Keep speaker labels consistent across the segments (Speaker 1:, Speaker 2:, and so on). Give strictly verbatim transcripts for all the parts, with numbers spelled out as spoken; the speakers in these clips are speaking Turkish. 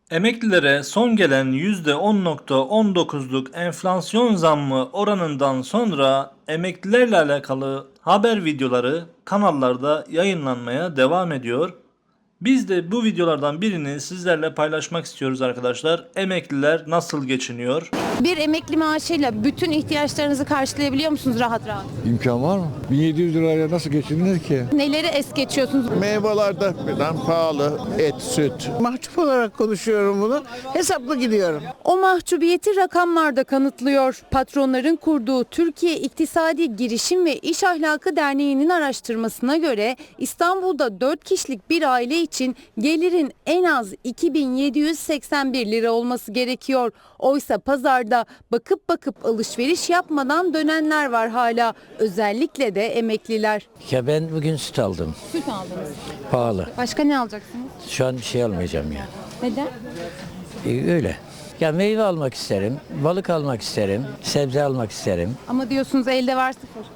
Speaker 1: Emeklilere son gelen yüzde on virgül on dokuzluk enflasyon zammı oranından sonra emeklilerle alakalı haber videoları kanallarda yayınlanmaya devam ediyor. Biz de bu videolardan birini sizlerle paylaşmak istiyoruz arkadaşlar. Emekliler nasıl geçiniyor?
Speaker 2: Bir emekli maaşıyla bütün ihtiyaçlarınızı karşılayabiliyor musunuz rahat rahat?
Speaker 3: İmkan var mı? bin yedi yüz lirayla nasıl geçinilir ki?
Speaker 2: Neleri es geçiyorsunuz?
Speaker 4: Meyveler de birden pahalı, et, süt.
Speaker 5: Mahcup olarak konuşuyorum bunu. Hesaplı gidiyorum.
Speaker 2: O mahcubiyeti rakamlarda kanıtlıyor. Patronların kurduğu Türkiye İktisadi Girişim ve İş Ahlakı Derneği'nin araştırmasına göre İstanbul'da dört kişilik bir aile için gelirin en az iki bin yedi yüz seksen bir lira olması gerekiyor. Oysa pazarda bakıp bakıp alışveriş yapmadan dönenler var hala. Özellikle de emekliler.
Speaker 6: Ya ben bugün süt aldım.
Speaker 2: Süt aldınız.
Speaker 6: Pahalı.
Speaker 2: Başka ne alacaksınız?
Speaker 6: Şu an bir şey almayacağım yani.
Speaker 2: Neden?
Speaker 6: Ee, öyle. Ya meyve almak isterim, balık almak isterim, sebze almak isterim.
Speaker 2: Ama diyorsunuz elde var sıfır.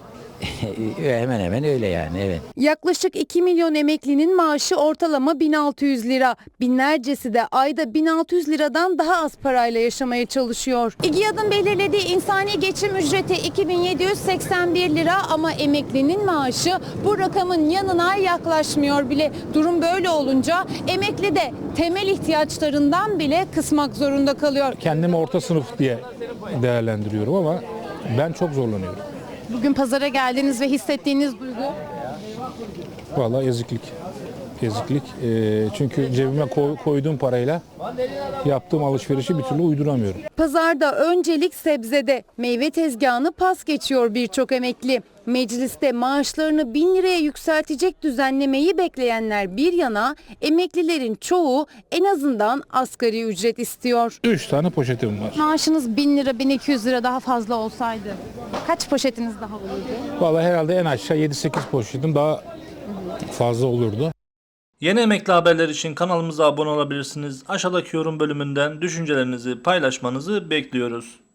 Speaker 6: Hemen hemen öyle yani, evet.
Speaker 2: Yaklaşık iki milyon emeklinin maaşı ortalama bin altı yüz lira. Binlercesi de ayda bin altı yüz liradan daha az parayla yaşamaya çalışıyor. İGİAD'ın belirlediği insani geçim ücreti iki bin yedi yüz seksen bir lira ama emeklinin maaşı bu rakamın yanına yaklaşmıyor bile. Durum böyle olunca emekli de temel ihtiyaçlarından bile kısmak zorunda kalıyor.
Speaker 7: Kendimi orta sınıf diye değerlendiriyorum ama ben çok zorlanıyorum.
Speaker 2: Bugün pazara geldiniz ve hissettiğiniz duygu?
Speaker 7: Vallahi eziklik. Eziklik. Ee, çünkü cebime koy- koyduğum parayla yaptığım alışverişi bir türlü uyduramıyorum.
Speaker 2: Pazarda öncelik sebzede. Meyve tezgahını pas geçiyor birçok emekli. Mecliste maaşlarını bin liraya yükseltecek düzenlemeyi bekleyenler bir yana, emeklilerin çoğu en azından asgari ücret istiyor.
Speaker 7: Üç tane poşetim var.
Speaker 2: Maaşınız bin lira, bin iki yüz lira daha fazla olsaydı kaç poşetiniz daha olurdu?
Speaker 7: Vallahi herhalde en aşağı yedi sekiz poşetim daha fazla olurdu.
Speaker 1: Yeni emekli haberler için kanalımıza abone olabilirsiniz. Aşağıdaki yorum bölümünden düşüncelerinizi paylaşmanızı bekliyoruz.